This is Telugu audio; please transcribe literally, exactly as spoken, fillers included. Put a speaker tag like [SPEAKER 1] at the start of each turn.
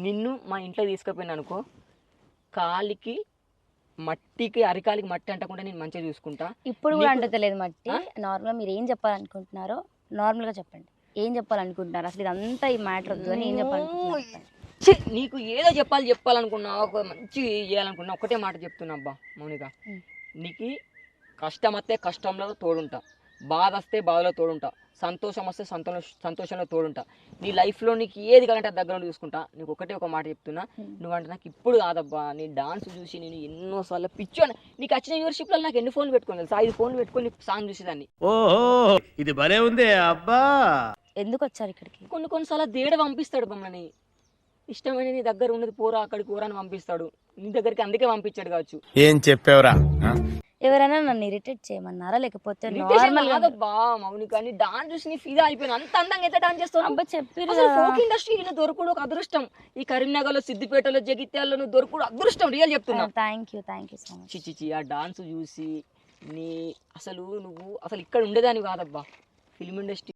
[SPEAKER 1] నిన్ను మా ఇంట్లో తీసుకుపోయినా అనుకో, కాలికి మట్టికి అరికాలికి మట్టి అంటకుండా నేను మంచిగా చూసుకుంటా.
[SPEAKER 2] ఇప్పుడు కూడా అంటలేదు మట్టి. నార్మల్గా మీరు ఏం చెప్పాలనుకుంటున్నారో నార్మల్గా చెప్పండి. ఏం చెప్పాలనుకుంటున్నారు అసలు? ఇదంతా ఈ మ్యాటర్ వద్దు అని ఏం చెప్పాలనుకుంటున్నారు?
[SPEAKER 1] నీకు ఏదో చెప్పాలి చెప్పాలనుకున్నా, ఒక మంచి చేయాలనుకున్నా, ఒకటే మాట చెప్తున్నా అబ్బా మౌనిక, నీకు కష్టం వస్తే కష్టంలో తోడుంటా, బాధ వస్తే బాధలో తోడుంటా, సంతోషం వస్తే సంతోష సంతోషంలో తోడుంటా. నీ లైఫ్లో నీకు ఏది కావాలంటే దగ్గర చూసుకుంటా. నీకు ఒకటే ఒక మాట చెప్తున్నా, నువ్వంటే నాకు ఇప్పుడు కాదబ్బా, నీ డాన్స్ చూసి నేను ఎన్నోసార్లు పిచ్చో. నీకు వచ్చిన వ్యూవర్షిప్లో నాకు ఎన్ని ఫోన్లు పెట్టుకోను తెలుసా? ఐదు ఫోన్లు పెట్టుకొని సాంగ్ చూసేదాన్ని.
[SPEAKER 3] ఓహో ఇది భలే ఉంది అబ్బా.
[SPEAKER 2] ఎందుకు వచ్చారు ఇక్కడికి?
[SPEAKER 1] కొన్ని కొన్నిసార్లు దేవుడు పంపిస్తాడు మమ్మల్ని, ఇష్టమైన నీ దగ్గర ఉన్నది పోరా అక్కడికి పోరా అని పంపిస్తాడు. నీ దగ్గరికి అందుకే పంపించాడు కావచ్చు.
[SPEAKER 3] ఏం చెప్పావురా?
[SPEAKER 2] ఎవరైనా నన్ను ఇరిటేట్ చేయమన్నారా లేకపోతే
[SPEAKER 1] నార్మల్
[SPEAKER 2] నార్మల్ గా?
[SPEAKER 1] కాదబ్బా మౌనిక, నీ డాన్స్ చూసి నీ ఫిదా అయిపోయినా. అంత అందంగా ఎంత డాన్స్ చేస్తావు?
[SPEAKER 2] అబ్బా చెప్పారు
[SPEAKER 1] అసలు ఫోక్ ఇండస్ట్రీ దొరకడు ఒక అదృష్టం. ఈ కరీంనగర్లో, సిద్దిపేటలో, జగిత్యాలలో నువ్వు దొరకడు అదృష్టం. రియల్ చెప్తున్నా.
[SPEAKER 2] Thank you thank you so much.
[SPEAKER 1] చిచి ఆ డాన్స్ చూసి నీ అసలు నువ్వు అసలు ఇక్కడ ఉండేదాన్ని కాదబ్బా. Film industry